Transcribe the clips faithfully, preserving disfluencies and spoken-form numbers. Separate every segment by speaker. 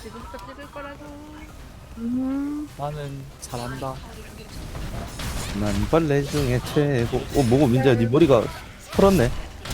Speaker 1: 지금부터 찌를 거라고.
Speaker 2: 음.
Speaker 3: 나는 잘한다.
Speaker 4: 난 벌레 중에 최고. 어, 뭐고 민재야, 네 머리가 털었네.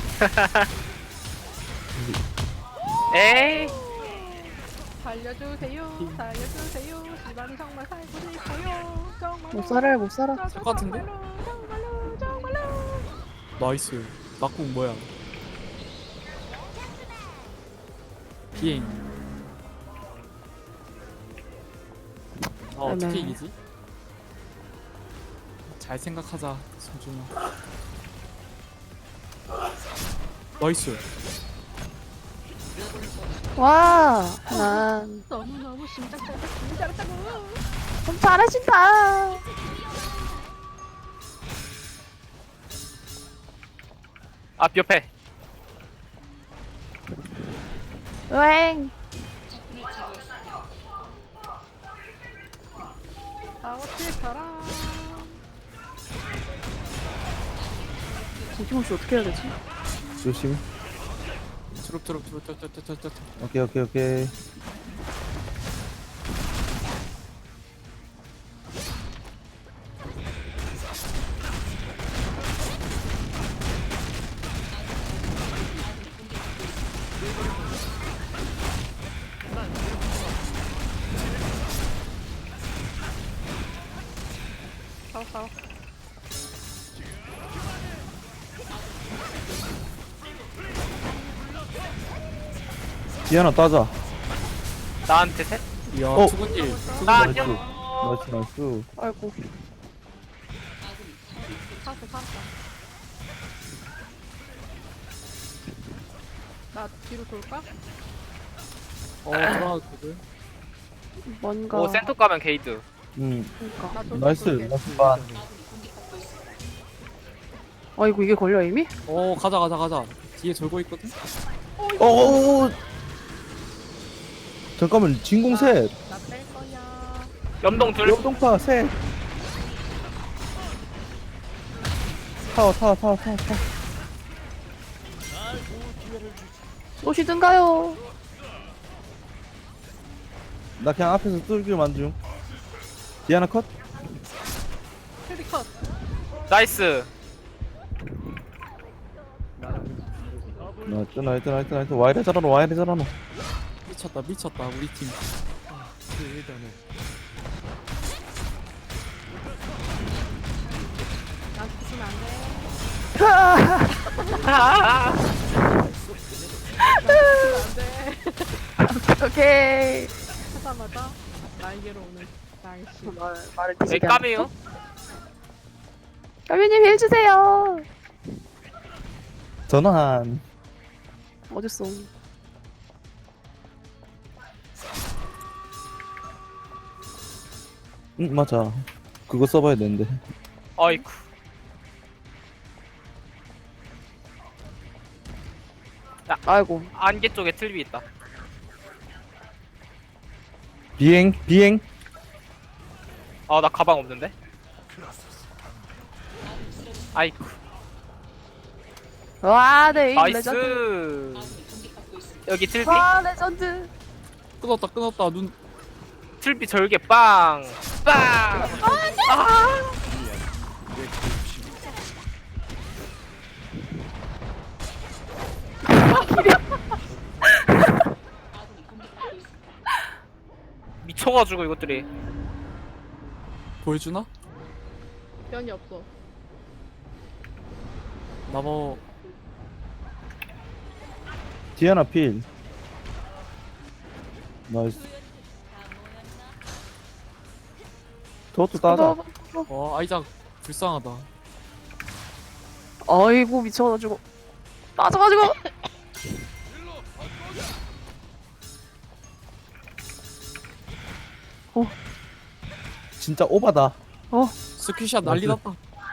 Speaker 5: 에이
Speaker 1: 살려주세요. 살려주세요. 집안이 정말 살고 싶어요. 정말.
Speaker 2: 못 살아요, 못 살아.
Speaker 3: 살 것 같은데?
Speaker 1: 정말로 정말로.
Speaker 3: 나이스. 낙궁 뭐야? 비행. 아 어떻게
Speaker 2: 네.
Speaker 3: 이기지? 잘 생각하자, 손준아. 나이스.
Speaker 2: 와, 난
Speaker 1: 너무 너무 심장 잘했고 잘했다고.
Speaker 2: 좀 잘하신다.
Speaker 5: 앞 옆에
Speaker 2: 여행.
Speaker 1: 아워칠 사람.
Speaker 2: 김치모씨 어떻게 해야 되지?
Speaker 4: 조심.
Speaker 3: 트롭 트롭 트롭 트롭 트롭 트롭 트롭.
Speaker 4: 오케이, 오케이, 오케이.
Speaker 1: 싸워 싸워.
Speaker 4: 디아나 따자.
Speaker 5: 나한테 셋?
Speaker 3: 이야
Speaker 4: 어.
Speaker 3: 투근딜. 투근딜.
Speaker 5: 나
Speaker 4: 나이스.
Speaker 5: 안녕.
Speaker 4: 나이스, 나이스.
Speaker 2: 아이고.
Speaker 1: 살았어 살았어. 나 뒤로 돌까?
Speaker 3: 어 들어가도 되고요.
Speaker 2: 뭔가.
Speaker 5: 오 센터 가면 게이드.
Speaker 4: 음,
Speaker 2: 그러니까.
Speaker 1: 나 돌게,
Speaker 4: 나이스.
Speaker 1: 돌게.
Speaker 4: 나이스 반.
Speaker 2: 아이고 이게 걸려 이미?
Speaker 3: 어 가자 가자 가자. 뒤에 돌고 있거든.
Speaker 4: 어, 어, 어. 잠깐만, 진공 셋.
Speaker 1: 나뺄 거야.
Speaker 5: 염동 둘.
Speaker 4: 역동파 셋. 타워, 타워, 타워, 타워, 타워.
Speaker 2: 쏘시든가요.
Speaker 4: 나 그냥 앞에서 뚫기를 만중. 디아나 컷?
Speaker 1: 크리컷.
Speaker 5: 나이스.
Speaker 4: 나이스, 나이스, 나이스, 나이스. 와이래 잘하노, 와이래 잘하노.
Speaker 3: 미쳤다 미쳤다 우리 팀.
Speaker 1: 나 죽으면 안 돼. 안 돼.
Speaker 2: 오케이.
Speaker 1: 하자마자 날개로 오는 날씨.
Speaker 2: 말 말을
Speaker 5: 왜
Speaker 2: 뒤지게.
Speaker 5: 까미요?
Speaker 2: 까미님 해주세요.
Speaker 4: 전환.
Speaker 2: 어딨어?
Speaker 4: 응, 맞아. 그거 써봐야 되는데.
Speaker 5: 어이쿠.
Speaker 2: 아이고.
Speaker 5: 안개 쪽에 틀비 있다.
Speaker 4: 비행, 비행.
Speaker 5: 아 나 가방 없는데? 아이쿠.
Speaker 2: 와, 네 레전드.
Speaker 5: 나이스. 여기 틀비.
Speaker 2: 와, 레전드.
Speaker 3: 끊었다 끊었다 눈.
Speaker 5: 틀비 절개 빵. 빵. 아. 미쳐가지고 이것들이.
Speaker 3: 보여주나?
Speaker 1: 변이 없어.
Speaker 3: 나뭐
Speaker 4: 디아나 필. 나이스. 저것도 따자.
Speaker 3: 어 아이작 불쌍하다.
Speaker 2: 아이고 미쳐가지고 빠져가지고.
Speaker 4: 진짜 오바다.
Speaker 2: 어,
Speaker 3: 스퀴샷 난리 났다.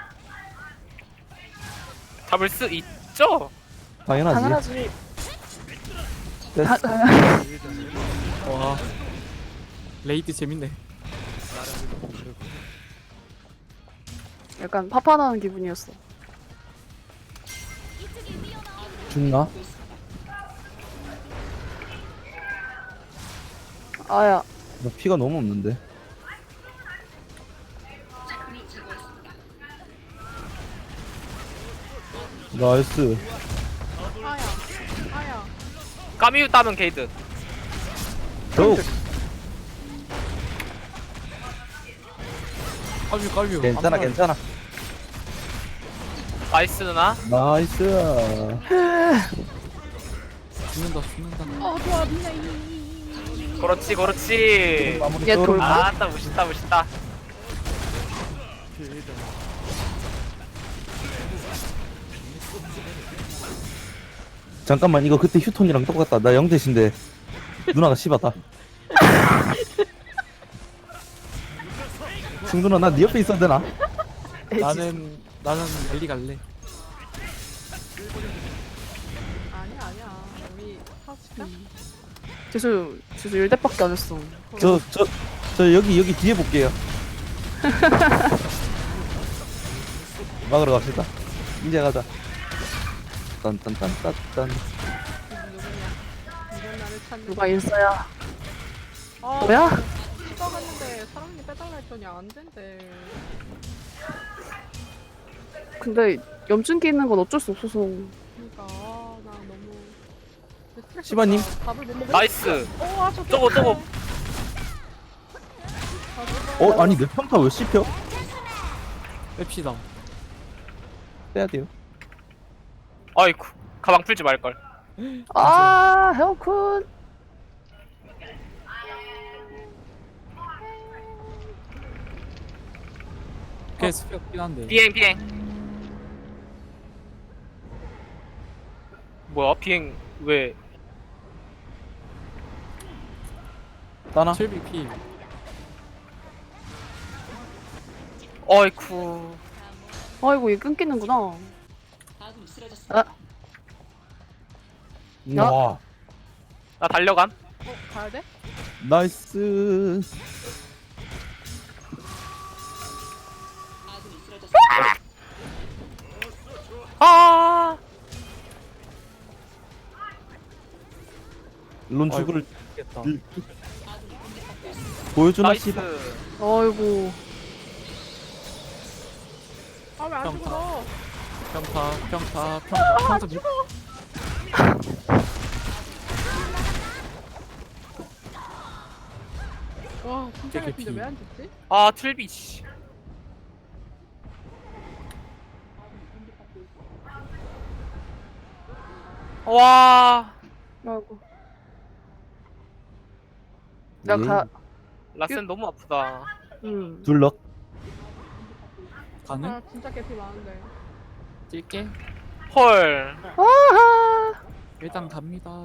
Speaker 5: 잡을 수 있죠?
Speaker 4: 당연하지.
Speaker 2: 당연하지.
Speaker 4: 됐어.
Speaker 2: 다,
Speaker 3: 와 레이드 재밌네.
Speaker 2: 약간 파파나는 기분이었어.
Speaker 4: 죽나?
Speaker 2: 아야.
Speaker 4: 나 피가 너무 없는데. 나이스.
Speaker 1: 아야 아야
Speaker 5: 까미유 따는 게이드.
Speaker 4: 더욱
Speaker 3: 깔류 깔류.
Speaker 4: 괜찮아
Speaker 3: 안 팔아요.
Speaker 4: 괜찮아.
Speaker 5: 나이스 누나.
Speaker 4: 나이스.
Speaker 3: 죽는다 죽는다.
Speaker 1: 어 좋아 미나 이
Speaker 5: 그렇지 그렇지.
Speaker 4: 마무리
Speaker 2: 얘
Speaker 4: 또.
Speaker 2: 돌-
Speaker 5: 아따 멋있다 멋있다.
Speaker 4: 잠깐만 이거 그때 휴톤이랑 똑같다. 나 영대신데 누나가 씹었다. 승준아 나 네 옆에 있어야 되나?
Speaker 3: 나는 나는 엘리 갈래.
Speaker 1: 아니야 아니야 우리 사실까?
Speaker 2: 지수 지수 일 대밖에 안 했어.
Speaker 4: 저 저 저 여기 여기 뒤에 볼게요. 막으러 갑시다. 이제 가자. 딴딴딴딴딴.
Speaker 1: 누구냐 이런 나를 찾는
Speaker 2: 누가 인싸야?
Speaker 1: 아,
Speaker 2: 뭐야?
Speaker 1: 치과 갔는데 사랑니 빼달라 했더니 안 된대.
Speaker 2: 근데 염증기 있는 건 어쩔 수 없어서.
Speaker 1: 그러니까 아, 나 너무 스트레스
Speaker 4: 시바님.
Speaker 1: 받아. 밥을 못 먹어.
Speaker 5: 나이스.
Speaker 1: 어, 아, 저
Speaker 5: 저거 저거.
Speaker 4: 어 아니 내 평타 왜 씹혀?
Speaker 3: 뺍시다.
Speaker 4: 빼야 돼요.
Speaker 5: 아이쿠 가방 풀지 말걸.
Speaker 2: 아 헤어쿤.
Speaker 3: 걔 스펙 없긴 한데.
Speaker 5: 비행 비행. 뭐야 비행 왜?
Speaker 4: 따나?
Speaker 3: 칠비 피.
Speaker 5: 어이쿠.
Speaker 2: 아이고 얘 끊기는구나. 아
Speaker 4: 와
Speaker 5: 나 달려감.
Speaker 1: 어, 가야 돼?
Speaker 4: 나이스.
Speaker 5: 아.
Speaker 4: 론
Speaker 3: 아이고.
Speaker 4: 죽을
Speaker 3: 겠다.
Speaker 4: 보여주나
Speaker 5: 나이스.
Speaker 4: 씨발.
Speaker 2: 아이고.
Speaker 1: 아, 왜 안
Speaker 3: 평타.
Speaker 1: 죽어?
Speaker 3: 평타 평타 평타 평타 미.
Speaker 1: 와, 진짜
Speaker 3: 되게
Speaker 1: 같은데
Speaker 3: 피.
Speaker 1: 왜 안 죽지?
Speaker 5: 아 틀비 씨. 와.
Speaker 2: 아이고. 나
Speaker 4: 예.
Speaker 2: 가.
Speaker 5: 라센 너무 아프다.
Speaker 2: 음.
Speaker 4: 둘럭.
Speaker 3: 가능?
Speaker 1: 아, 진짜 개피 많은데.
Speaker 3: 뛸게.
Speaker 5: 헐.
Speaker 2: 아하.
Speaker 3: 일단 갑니다.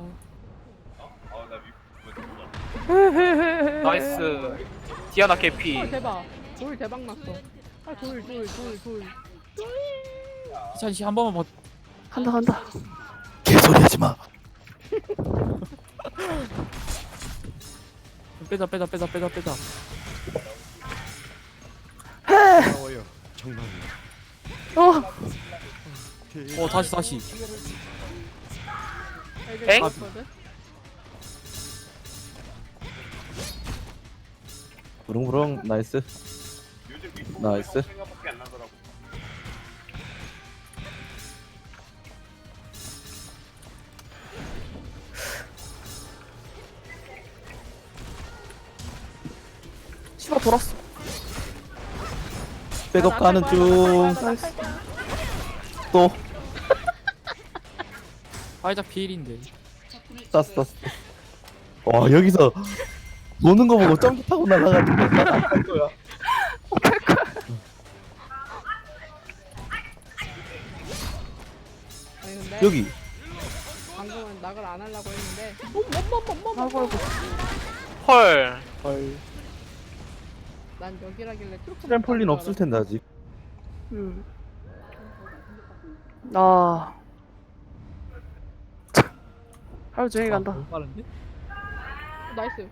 Speaker 5: 나이스. 디아나 개피.
Speaker 1: 헐, 대박. 돌 대박 났어. 아, 돌, 돌, 돌, 돌.
Speaker 3: 희찬 씨한 번만 버.
Speaker 2: 간다 간다.
Speaker 4: 개소리 하지 마.
Speaker 3: 빼자 빼자 빼자 빼자 빼자.
Speaker 2: 어.
Speaker 3: 어 다시 다시.
Speaker 1: 애들
Speaker 5: 엥?
Speaker 1: 죽었거든?
Speaker 4: 부릉부릉 나이스. 나이스.
Speaker 2: 씨발 돌았어.
Speaker 4: 백업 가는 중.
Speaker 2: 나이스.
Speaker 4: 또
Speaker 3: 아이작 비일인데.
Speaker 4: 땄어 땄어. 와 여기서 보는 거 보고 점프 타고 날아가지고 나갈 거야.
Speaker 1: 아니, 근데
Speaker 4: 여기
Speaker 1: 방금은 낙을 안 하려고 했는데.
Speaker 2: 아이고 아이고.
Speaker 5: 헐.
Speaker 3: 헐.
Speaker 1: 난 여기라길래 트로프
Speaker 4: 트램폴린 없을 텐데 아직.
Speaker 2: 음. 아. 하루 종일 간다.
Speaker 3: 너무 빠른데?
Speaker 1: 나이스.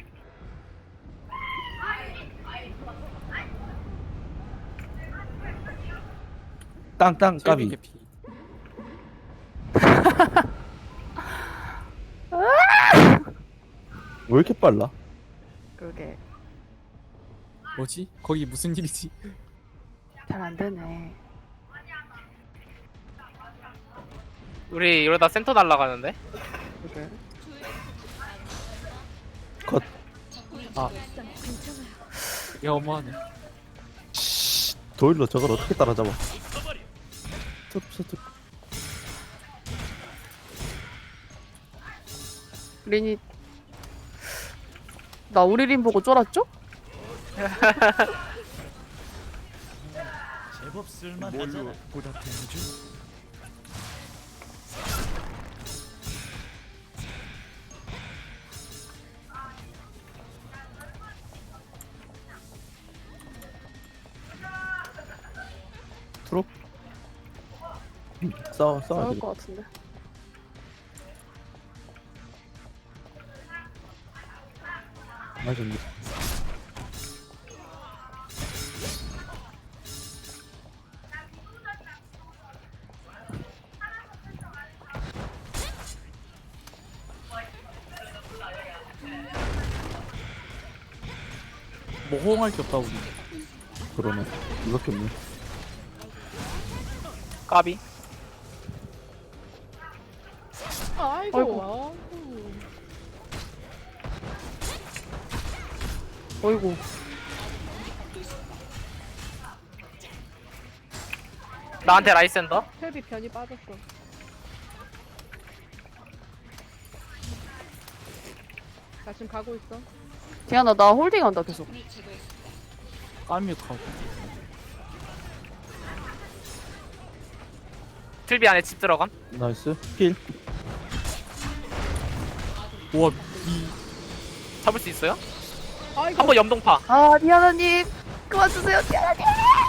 Speaker 4: 땅땅
Speaker 3: 칠비
Speaker 4: 까비.
Speaker 3: 개피.
Speaker 4: 왜 이렇게 빨라?
Speaker 2: 그러게
Speaker 3: 뭐지? 거기 무슨 일이지?
Speaker 2: 잘 안 되네.
Speaker 5: 우리 이러다 센터 날라가는데?
Speaker 2: 그러게.
Speaker 4: 컷.
Speaker 3: 아. 야, 어마하네.
Speaker 4: 씨, 도일로 저걸 어떻게 따라잡아? 서투 서투.
Speaker 2: 린이 나 우리 린 보고 쫄았죠?
Speaker 6: 제법 쓸만하잖아. 보답해야죠.
Speaker 4: 트롭. 음, 싸워 싸워.
Speaker 2: 싸울 것 같은데.
Speaker 4: 맞아.
Speaker 3: 뭐 호응할 게 없다 우리.
Speaker 4: 그러네. 이밖에 없네.
Speaker 5: 까비.
Speaker 1: 아이고.
Speaker 2: 아이고.
Speaker 1: 아이고.
Speaker 2: 어이구.
Speaker 5: 나한테 라이센더?
Speaker 1: 텔비 변이 빠졌어. 나 지금 가고 있어.
Speaker 2: 디아나 나 홀딩한다 계속.
Speaker 3: 까미하고.
Speaker 5: 틀비 안에 집 들어감?
Speaker 4: 나이스. 힐.
Speaker 3: 우와 이
Speaker 5: 잡을 수 있어요?
Speaker 1: 아이고.
Speaker 5: 한번 염동파.
Speaker 2: 아 디아나님 그만 주세요 디아나님.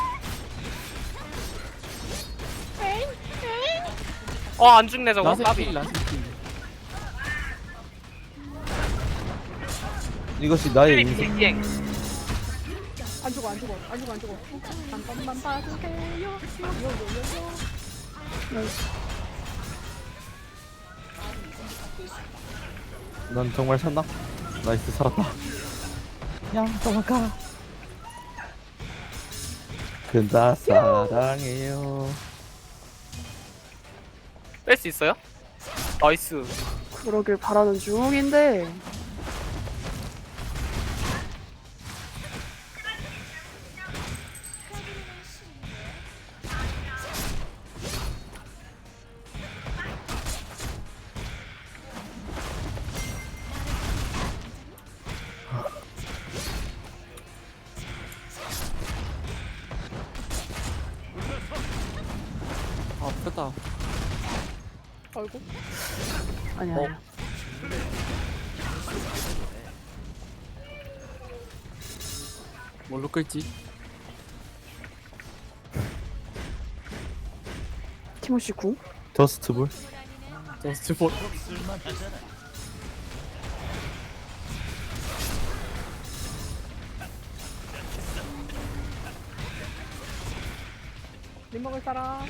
Speaker 5: 어, 안 죽네 저거.
Speaker 3: 라세
Speaker 5: 까비.
Speaker 3: 킬 라세 킬.
Speaker 4: 이것이 나의
Speaker 5: 틀비
Speaker 4: 인생.
Speaker 5: 비행.
Speaker 1: 안 죽어 안 죽어 안 죽어 안 죽어. 한 번만 봐주세요. 요요요요.
Speaker 4: 난 정말 샀나? 나이스 살았다. 야 도망가. 근다 사랑해요.
Speaker 5: 뺄 수 있어요? 나이스.
Speaker 2: 그러길 바라는 중인데.
Speaker 3: 아 뺐다.
Speaker 1: 아이고.
Speaker 2: 아니야.
Speaker 3: 어.
Speaker 2: 아니야.
Speaker 3: 뭘로 끌지?
Speaker 2: 티모시 궁?
Speaker 4: 더스트볼.
Speaker 3: 저스트 볼.
Speaker 6: 쓸만하잖아.
Speaker 1: 림 먹을 사람.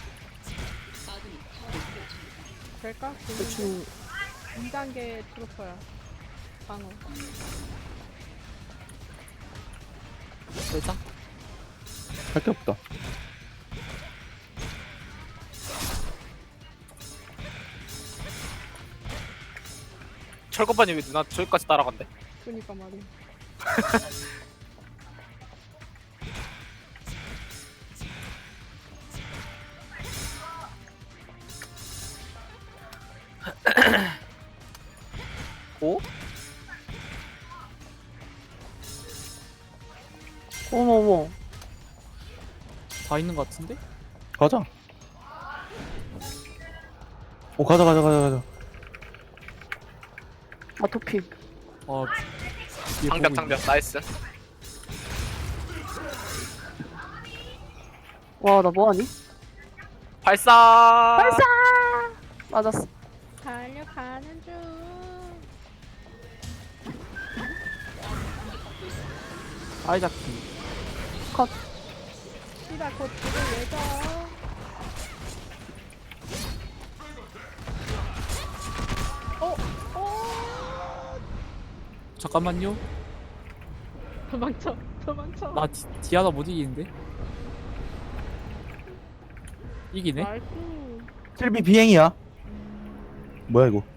Speaker 1: 될까?
Speaker 2: 대충
Speaker 1: 이 단계 트로퍼야. 방어.
Speaker 3: 빼자.
Speaker 4: 할 게 없다.
Speaker 5: 철거반이 왜 누나 저기까지 따라간대?
Speaker 1: 그니까 말이야.
Speaker 5: 오?
Speaker 2: 어머 어머.
Speaker 3: 다 있는 것 같은데?
Speaker 4: 가자. 오 가자 가자 가자 가자.
Speaker 2: 아토피.
Speaker 3: 아 뒤에
Speaker 5: 장벽
Speaker 3: 보고
Speaker 5: 장벽 나이스.
Speaker 2: 와 나 뭐하니?
Speaker 5: 발사.
Speaker 2: 발사. 맞았어.
Speaker 1: 달려가는 중.
Speaker 3: 있는. 아이작 키.
Speaker 2: 컷.
Speaker 1: 시다 곧 죽을 예정. 어? 어?
Speaker 3: 잠깐만요.
Speaker 1: 도망쳐 도망쳐.
Speaker 3: 나 디, 디아나 못 이기는데? 이기네?
Speaker 1: 나이스.
Speaker 4: 실비 비행이야. 뭐야 이거?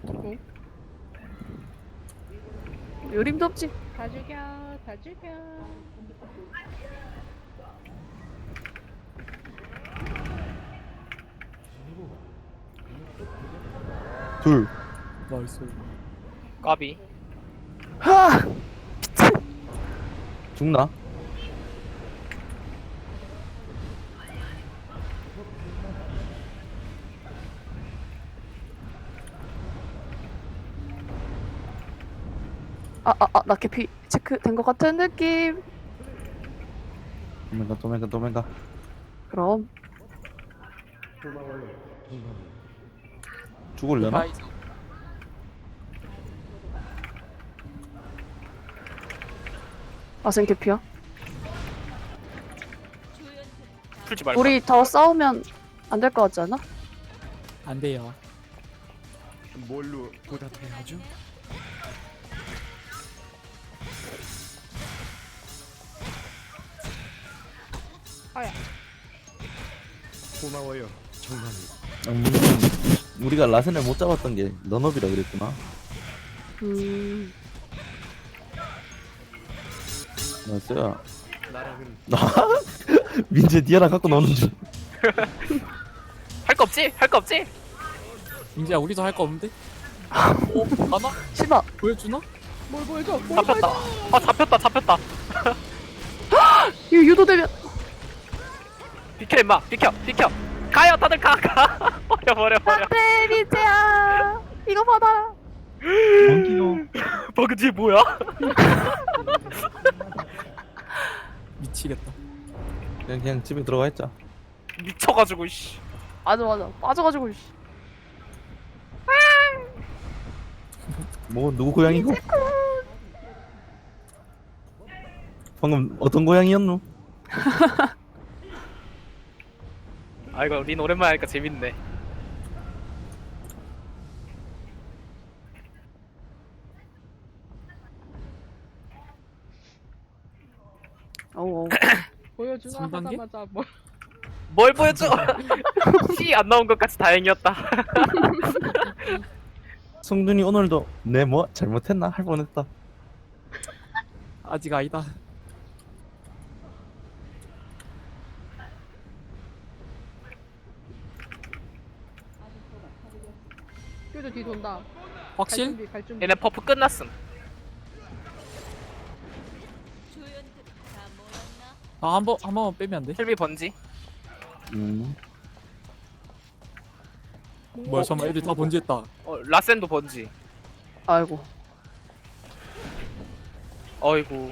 Speaker 2: 요림도 없지.
Speaker 1: 다 죽여 다 죽여.
Speaker 4: 둘.
Speaker 3: 나이스.
Speaker 5: 까비.
Speaker 2: 하!
Speaker 4: 죽나?
Speaker 2: 아, 아, 아, 나 개피 체크 된 것 같은 느낌.
Speaker 4: 도망가 도망가 도망가.
Speaker 2: 그럼
Speaker 4: 죽을려나?
Speaker 3: 아이자.
Speaker 2: 아생 개피야.
Speaker 5: 풀지 말고.
Speaker 2: 우리 더 싸우면 안 될 것 같지 않아?
Speaker 3: 안 돼요.
Speaker 6: 뭘로 보답해야죠?
Speaker 1: 아야.
Speaker 6: 고마워요, 정말.
Speaker 4: 음, 우리가 라센을 못 잡았던 게 런업이라 그랬구나.
Speaker 2: 음,
Speaker 4: 나이스야.
Speaker 6: 나락은
Speaker 4: 나 민재 디아나 갖고 노는 줄.
Speaker 5: 할 거 없지? 할 거 없지?
Speaker 3: 민지야 우리도 할 거 없는데? 어? 가나?
Speaker 2: 씨발.
Speaker 3: 보여주나?
Speaker 1: 뭘 보여줘? 뭘
Speaker 5: 잡혔다. 아 잡혔다 잡혔다.
Speaker 2: 이거 유도되면
Speaker 5: 비켜 임마 비켜 비켜. 가요 다들 가 가. 버려 버려 버려.
Speaker 2: 안돼 민재야. 이거 받아.
Speaker 4: 원기노.
Speaker 5: 버그 뒤에 뭐야?
Speaker 3: 미치겠다.
Speaker 4: 그냥 그냥 집에 들어가 있자.
Speaker 5: 미쳐가지고 씨.
Speaker 2: 맞아 맞아. 빠져가지고 씨.
Speaker 4: 뭐 누구 고양이고? 방금 어떤 고양이였노?
Speaker 5: 아 이거 린 오랜만에 하니까 재밌네.
Speaker 2: 어우. 어우.
Speaker 1: 보여주나
Speaker 3: 삼 단계?
Speaker 1: 하자마자 뭘.
Speaker 5: 뭘 보여줘? 씨 안 나온 것까지 다행이었다.
Speaker 4: 성준이 오늘도 내 뭐 잘못했나 할 뻔했다.
Speaker 3: 아직 아니다.
Speaker 1: 뾰조 뒤 돈다. 갈
Speaker 3: 확실?
Speaker 1: 준비 갈 준비.
Speaker 5: 얘네 퍼프 끝났음.
Speaker 3: 아 한 번 한 번만 빼면 안 돼?
Speaker 5: 힐비 번지.
Speaker 4: 음.
Speaker 3: 뭐야 잠깐만 애들 다 번지했다.
Speaker 5: 어 라센도 번지.
Speaker 2: 아이고.
Speaker 5: 어이구.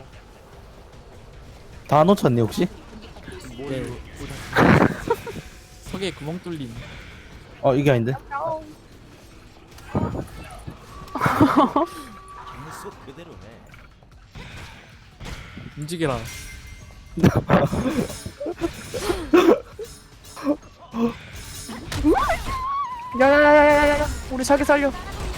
Speaker 4: 다 놓쳤니 혹시?
Speaker 3: 네. 석에 구멍 뚫린.
Speaker 4: 어 이게 아닌데?
Speaker 6: 계속 그대로 해.
Speaker 3: 움직여라.
Speaker 2: 야야야야야야. 우리 자기 살려.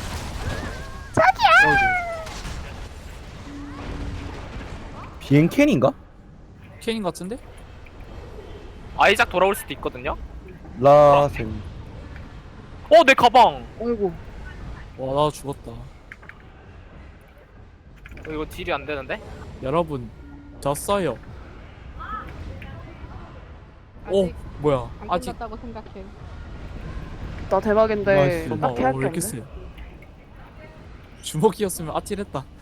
Speaker 4: 비행캔인가?
Speaker 3: 케인 같은데?
Speaker 5: 아이작 돌아올 수도 있거든요.
Speaker 4: 라센.
Speaker 5: 어 내 가방.
Speaker 2: 아이고.
Speaker 3: 와 나 죽었다.
Speaker 5: 어, 이거 딜이 안 되는데?
Speaker 3: 여러분 졌어요. 오
Speaker 1: 아직
Speaker 3: 뭐야
Speaker 1: 안
Speaker 3: 아직
Speaker 1: 끝났다고 생각해.
Speaker 2: 나 대박인데
Speaker 4: 나이스.
Speaker 3: 잠깐만
Speaker 2: 딱히
Speaker 3: 어,
Speaker 2: 할
Speaker 3: 왜
Speaker 2: 게
Speaker 3: 이렇게
Speaker 2: 없네.
Speaker 3: 세? 주먹이었으면 아찔했다.